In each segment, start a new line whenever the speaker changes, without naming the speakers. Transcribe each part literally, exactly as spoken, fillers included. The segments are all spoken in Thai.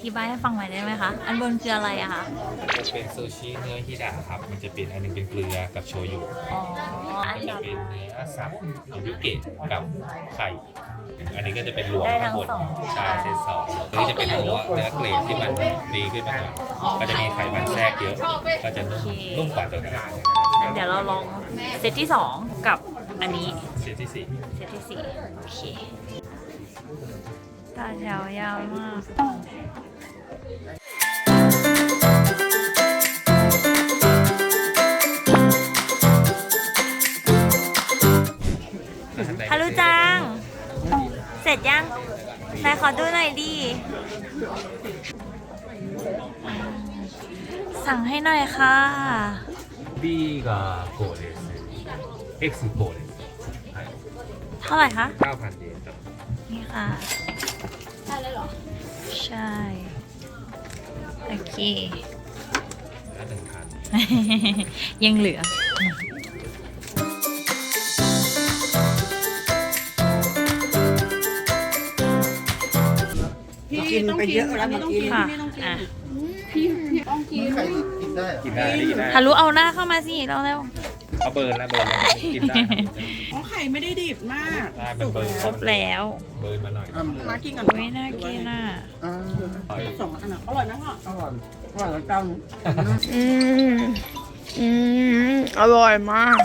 ธิบายให้ฟังหน่อยได้ไหมคะอันบนคืออะไรอะคะ
จะเป็นซูชิเนื้อฮิดะครับมันจะเป็นอันนึงเป็นเกลือกับโชยุ
อ๋ออั
อั
น
น
นี้
จะเป็นเนื้อสับยูเกะกับไข่อันนี้ก็จะเป็นรวม
ได้ทั้
ทั้
ง
งหมด
สอง
ชาเซนสองตัวนี้จะเป็นเนื้อเนื้อเกรดที่มันดีขึ้นมาหน่อยก็จะมีไขมันแทรกเยอะก็จะนุ่มนุ่มกว่าตัวนั้น
งั้นเดี๋ยวเราลองเซตที่สองกับอันนี้
เซตที่สี่
เซตที่สี่โอเคตาแถวยาวมากฮารุจัง เสร็จยังไหนขอดูหน่อยดิ สั่งให้หน่อยค่ะ
B がこうです X こうです
เท่าไหร่คะ
เก้าพันเยนครับ
นี่ค่ะ ได้เลยเหรอ ใช่ โอเค
แล้วหนึ่งพัน
ยังเหลือ
กินไปเยอะแล้วเมื่อกี้
ค่ะอ่ะ
ใครกินได้
กินได้ดีได้
ทะลุเอาหน้าเข้ามาสิเร็ว
เขาเบิร์นแล้วเบิร์นแล้วกินได้ครับ
อ๋อไข่ไม่ได้ดิบมาก
ได้มันเบิร์น
ๆครบแล้ว
เบิร์นมาหน่อย
มากินกัน
อุ้ยน่ากินอ่ะ
สองอันอ่ะอร่อยนะพ่ออร่อยอร่อยแล้วเจ้า
อืม อืม อร่อยมาก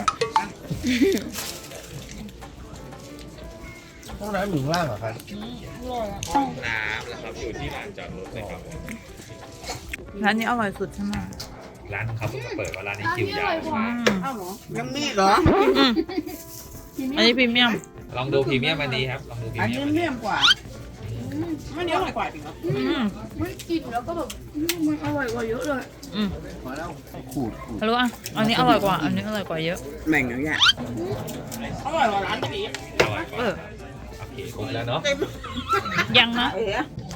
ห้องน้ำอยู่ข้างล่างเหรอครับ
ห้องน้ำแล้วครับอยู่ที่ลานจอดรถเลยครับ
ร้านนี้อร่อยสุดใช่ไหม
ร้านเขาเพิ่งมาเปิดว่าร้านนี้คิวยาวมาก
อ้าวเหรอยังมีเหรอ
อืมอันนี้พรีเมียม
ลองดูพรีเมียมอันนี้ครับลองดูพรี
อัน
เมีย
นี้
มอัน
เมี่
นี้
ยมกว่าอันนี้อร่อยกว่าจริงเหรอ
อืม
ไม่กินแล้วก็แบบมันอร่อยกว่าเยอะเลย
อืม
มาแล้วขูดขูด
ทะลุอ่ะ อันนี้อร่อยกว่า อันนี้อร่อยกว่าเยอะ
แม่งอย่างเงี้ยอร่อยกว่าร้านนี้
อร่อยกว่า
เออ
โอเคครบแล้วเนาะ
ยังนะ
เอ๋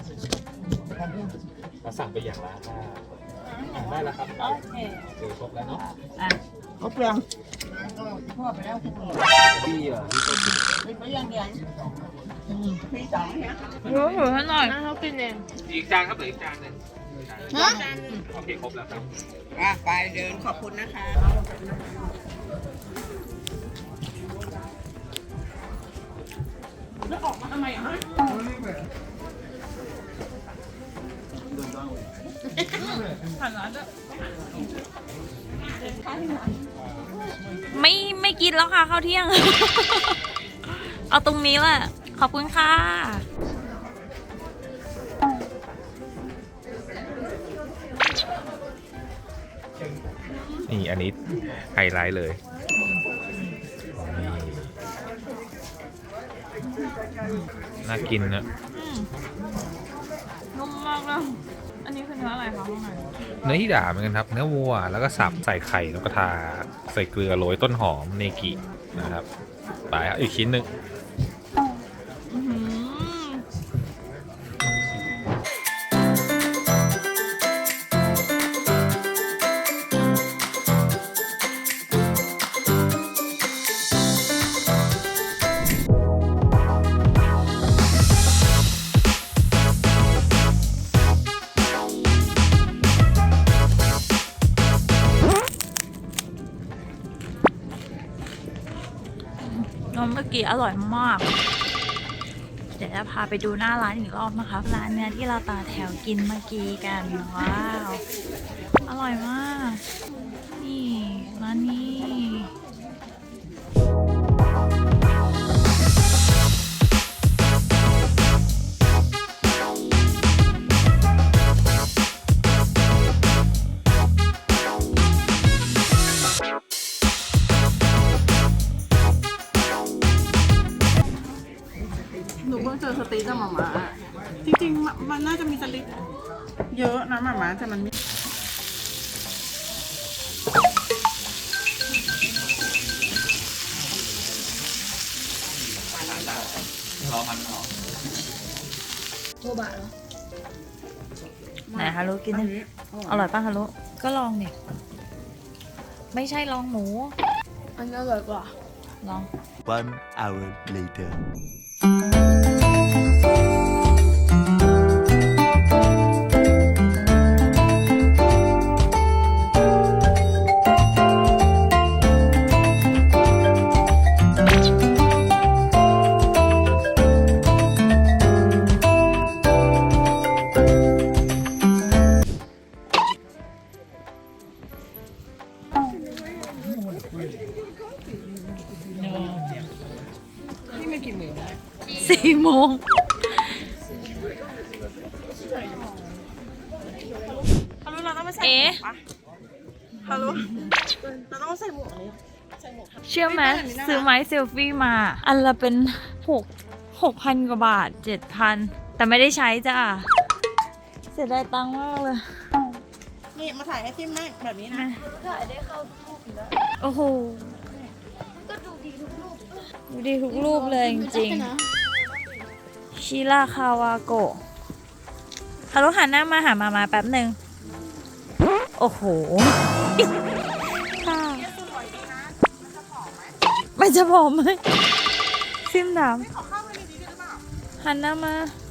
เราสั่งไปอย่างละห้าได้แล้วครับ
โอเค
โอเคครบแล้วเนาะ
อ่ะ
เขาเปลือง
พี่อ่ะพี่ก็กิน
มีไปยังยังมีสองเนี่ย
รู้ถือให้หน่อย
น่าเขากินเอง
อีกจานครับเหลืออีกจานหนึง
ฮะ
โอเคครบแล้วครับ
อ่ะไปเดินขอบคุณนะคะแล้วออกมาทำไมอ่ะฮะ
ไม่ไม่กินแล้วค่ะข้าวเที่ยง เอาตรงนี้แหละ ขอบคุณค่ะ
นี่อันนี้ไฮไลท์เลยนี่น่ากินนะ
นุ่มมากเลยอันนี้คือเนื้ออะไรคะข้างใน
เนื้อฮิดะเหมือนกันครับ เนื้อวัวแล้วก็สับใส่ไข่แล้วก็ทาใส่เกลือโรยต้นหอมเนกินะครับไปครับอีกชิ้นหนึ่ง
อื้อหือ นมเมื่อกี้อร่อยมาก เดี๋ยวจะพาไปดูหน้าร้านอีกรอบนะคะ ร้านเนื้อที่เราต่อแถวกินเมื่อกี้กัน ว้าว อร่อยมาก นี่ ร้านนี้
หนูเพิ่งเจอสติ๊กกับหมาม่าจริงๆ มันน่าจะมีสติ๊กเยอะนะหมาม่าแต่มันไม่
รอมันออก
โบบะเหรอ
ไหนฮารุกินดิอร่อยป่ะฮารุก็ลองดิไม่ใช่ลองหมู
อันนี้อร่อยกว่า
ลอง
One hour later
สี่โมง
ฮัลโหลเราต้องไปใส่หม
เอ๊ะ
วกปะฮัลโหลเราต้องใส่หมวกนี้ใส่หมวก
เชื่อไหมซื้อไม้เซลฟี่มา อันละเป็นหกหกพันกว่าบาทเจ็ดพันแต่ไม่ได้ใช้จ้าเสียดายตังค์มากเลย
นี่มาถ่ายให้ทิมแม่แบบนี้นะ
โอ้โหก็ดูดีทุกรูปดูดีทุกรูปเลยจริงๆชิราคาวาโกะฮัลโหลหันหน้ามาหามามาแป๊บหนึ่งโอ้โหค่ะไม่จะผอมไหมซิมถามหันหน้ามา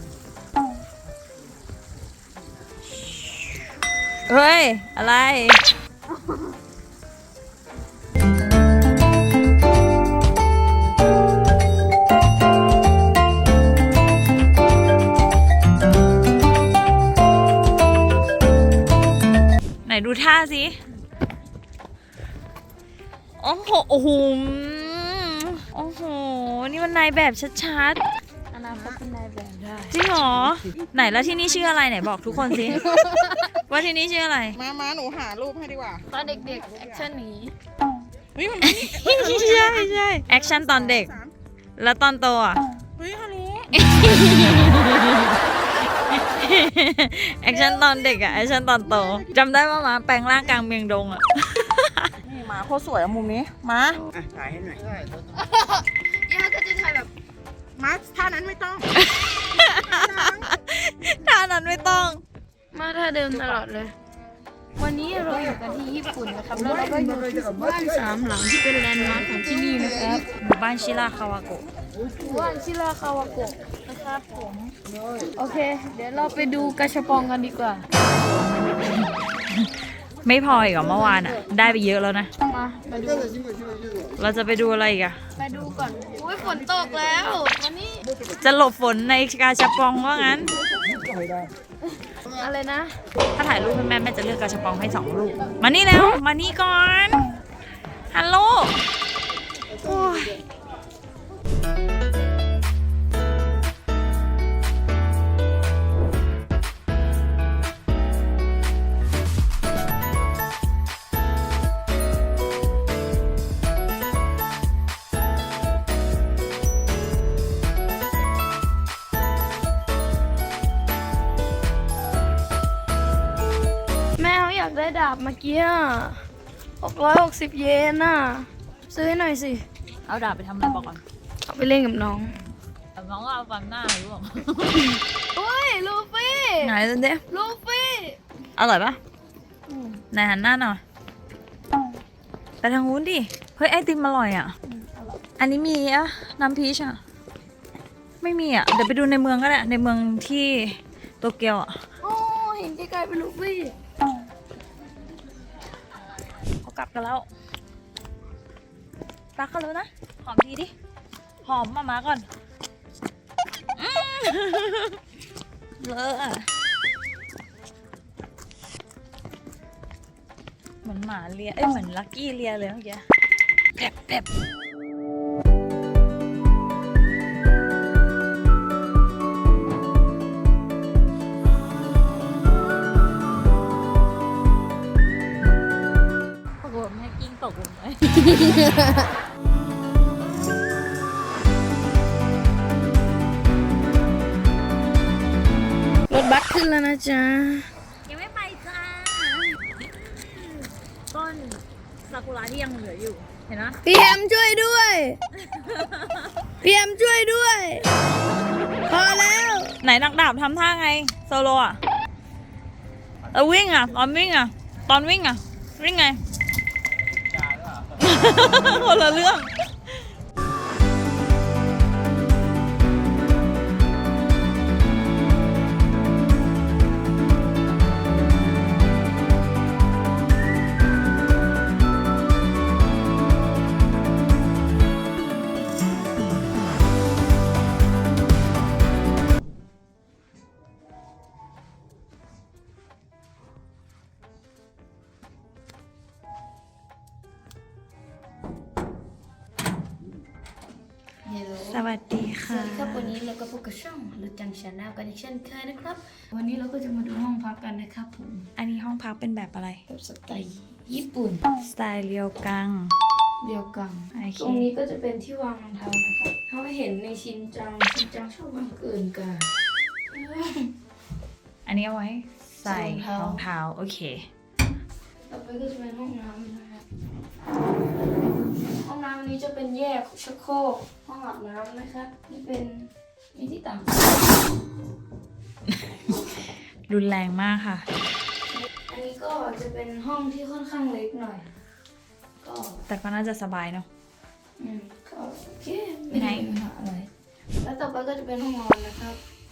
เฮ้ย อะไร ไหนดูท่าสิ โอ้โห โอ้โห โอ้โห นี่มันนายแบบชัดๆ
อนาคตเป็นนายแบบได้
จริงเหรอ ไหนแล้วที่นี่ชื่ออะไรไหนบอกทุกคนสิ ว่าที่นี่ชื่ออะไร
มามาหนูหารูปให้ดีกว่า
ตอนเด็กๆแอคชั่นนี้
เฮ้ยมันไม่มี
ใช่ใช่แอคชั่นตอนเด็ก
สาม
แล้วตอนโตอ่ะ
เฮ้ยฮัลโหล
แอคชั่นตอนเด็กอะแอคชั่นตอนโตจำได้ว่ามาแปลงร่างกลางเมียงดงอะ
นี่มาโคตรสวยอะมุมนี้ มา
ถ่ายให้หน่อย
ย่าก็จะถ่ายแบบ
มาท่านั้นไม่ต้อง
ท่านั้นไม่ต้อง
มาท่าเดิมตลอดเลย วันนี้เราอยู่กันที่ญี่ปุ่นนะครับ แล้วเราก็อยู่ที่บ้านสามหลังที่เป็นแลนด์มาร์คของที่นี่นะครับ
หมู่บ้านชิราคาวาโกะ
บ้านชิราคาวาโกะนะครับผม โอเค เดี๋ยวเราไปดูกระชับปองกันดีกว่า
ไม่พออีกเหรอเมื่อวานอะได้ไปเยอะแล้วนะ
มามาดู
เราจะไปดูอะไรอีกอะ
ไปดูก่อนอุ้ยฝนตกแล้ว วันนี้
จะหลบฝนในกาชาปองว่างั้น
อะไรนะ
ถ้าถ่ายรูปให้แม่แม่จะเลือกกาชาปองให้สองลูก มานี่แล้ว มานี่ก่อน ฮัลโหลโอ้ย
แม่เขาอยากได้ดาบเมื่อกี้หกร้อยหกสิบเยนน่ะ ซื้อให้หน่อยสิ
เอาดาบไปทำอะไรบอกก่อน
เอาไปเล่นกับน้อง
น้องก็เอาฟังหน้าหรือเปล่า
อุ้ย ลูฟี่
ไหนเด้
ลูฟี่
อร่อยปะไหนหันหน้าหน่อยไปทางนู้นดิ เฮ้ยไอติมอร่อยอ่ะ อันนี้มีอะน้ำพีชอ่ะ ไม่มีอ่ะ เดี๋ยวไปดูในเมืองก็ได้ ในเมืองที่โตเกียวอ่ะ
โอ้เห็นไกลๆเป็นลูฟี่
เขากลับกันแล้วรักกันแล้วนะ หอมทีดิ หอมมามาก่อนอืมเลอะอะเหมือนหมาเลีย เอ้ยเหมือนลักกี้เลียเลยเมื่อกี้แผลบแผลบโอ้โหแม่กิ้งตกลงไป
รถบัสขึ้นแล้วนะจ๊ะ
ยังไม่ไปจ้า ต้นซากุระที่ยังเหลืออยู่ เห็นไหม
พี่แอมช่วยด้วย พี่แอมช่วยด้วย พอแล้ว
ไหนนักดาบทำท่าไง โซโลอ่ะเออวิ่งอ่ะ ตอนวิ่งอ่ะ ตอนวิ่งอ่ะ วิ่งไง คนละเรื่อง
Hello
สวัสดี
ส
ค่ะ
วัสดีครับวันนี้เราก็พบกับช่องลุจังชาแนลกันอีกเช่นเคยนะครับ วันนี้เราก็จะมาดูห้องพักกันนะครับผม
อันนี้ห้องพักเป็นแบบอะไร
แบบสไตล์ญี่ปุ่น
สไตล์เรียวกัง
เดียวกัน
โอเค
ตรงนี้ก็จะเป็นที่วางรองเท้านะครับเขาเห็นในชินจังชินจังชอบวางเกินกัน
อันนี้เอาไว้ใส่
ใส่รองเท้าร
องเท้า โอเค
ต่อไปก็จะเป็นห้องน้ำนะครับห้องน้ำอันนี้จะเป็นแยกชักโครกห้องอาบน้ำนะครับนี่เป็นมีที่ต่าง
รุนแรงมากค่ะ
อันนี้ก็จะเป็นห้องที่ค่อนข้างเล็กหน่อย ก็
แต่ก็น่าจะสบายเนาะ
อืมก็โอเคไม่ได้มีปัญหาอะไร แล้วต่อไปก็จะเป็นห้องนอนนะครับ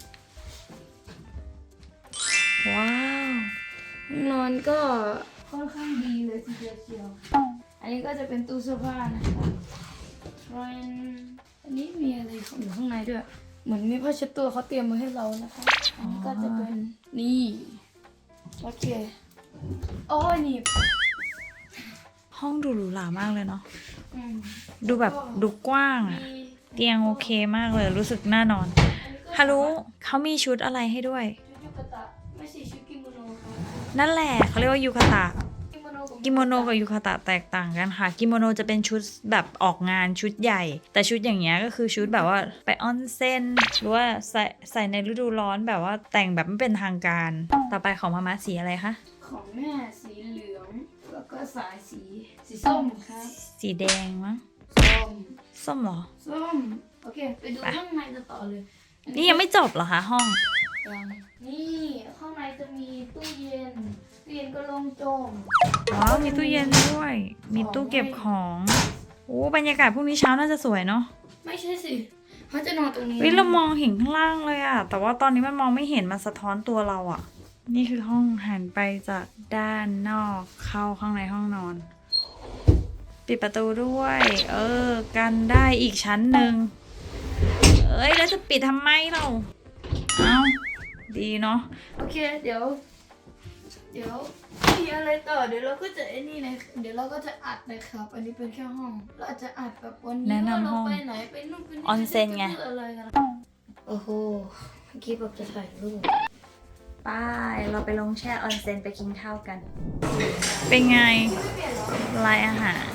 ว้าว
ห้องนอนก็ค่อนข้างดีเลยทีเดียวเชียว อันนี้ก็จะเป็นตู้เสื้อผ้านะครับทรนอันนี้มีอะไรอยู่ข้างในด้วย เหมือนมีผ้าเช็ดตัวเขาเตรียมมาให้เรานะคะ อันนี้ก็จะเป็นนี่โอเคโอ้ยนี่
ห้องดูหรูหรามากเลยเนาะ
อืม
ดูแบบดูกว้างอะ
มี
เตียงโอเคมากเลย รู้สึกน่านอน ฮารุเขามีชุดอะไรให้ด้วย
ชุดยูกะตะไม่ใช่ชุดกิโมโนครับ
นั่นแหละเขาเรียกว่ายูคาตะ
กิโมโนกับ
กิโมโนกับยูคาตะแตกต่างกันค่ะ กิโมโนจะเป็นชุดแบบออกงานชุดใหญ่ แต่ชุดอย่างเงี้ยก็คือชุดแบบว่าไปออนเซ็นหรือว่าใส่ใส่ในฤดูร้อนแบบว่าแต่งแบบไม่เป็นทางการ ต่อไปของมาม่าสีอะไรคะ
ของแม่สีเหลือง แล้วก็สายสีสีส้มครับ
สีแดงมั้ง
ส้ม
ส้มเหรอ
ส้ม โอเค ไปดูข้างในกันต่อเลย
นี่ยังไม่จบเหรอคะห้อง
ยังนี่ข้างในจะมีตู้เย็น ตู้เย็นก็โล่งโจง
อ๋อ มีตู้เย็นด้วย มีตู้เก็บของโอ้บรรยากาศพรุ่งนี้เช้าน่าจะสวยเนาะ
ไม่ใช่สิเขาจะนอนตรงนี้
เฮ้ยเรามองเห็นข้างล่างเลยอะแต่ว่าตอนนี้มันมองไม่เห็นมันสะท้อนตัวเราอะนี่คือห้องหันไปจากด้านนอกเข้าข้างในห้องนอน ปิดประตูด้วย เออ กันได้อีกชั้นหนึ่งเอ้ยแล้วจะปิดทำไมเราเอาดีเนาะ
โอเค เดี๋ยว เดี๋ยวมีอะไรต่อ เดี๋ยวเราก็จะไอ้นี่เลยเดี๋ยวเราก็จะอัดนะครับ อันนี้เป็นแค่ห้อง เราอาจจะอัดแบบวันนี้
แนะนำ
ว่าเรา
ห้อง
ไปไหนไปนู่นไปนี่
ออนเซ็นไง
ปอะไรกันโอ้โหเมื่อกี้แบบจะถ่ายรูป
ไป้ายเราไปลงแช่ออนเซ็นไปกินข้าวกัน เป็นไงรายอาหาร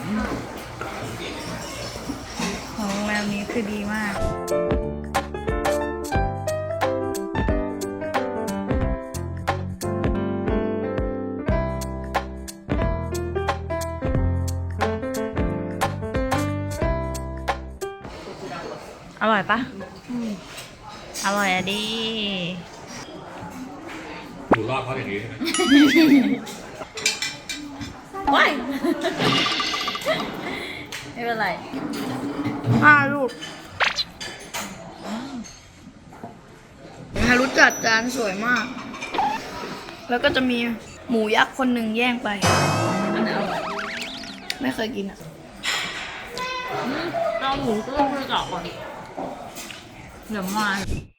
ของโรงแรมนี้คือดีมาก อร่อยปะอร่อยอะดี
ดูรอบเขาอย่างนี้ใช่ไหม
ว้ายไม่เป็นไร
ห้าลูกฮารุจัดจานสวยมาก แล้วก็จะมีหมูยักษ์คนหนึ่งแย่งไป
อันนั้นอร่อย
ไม่เคยกินอ่ะ
เราหมูก็ต้องไปเจาะก่อนเดี๋ยวมา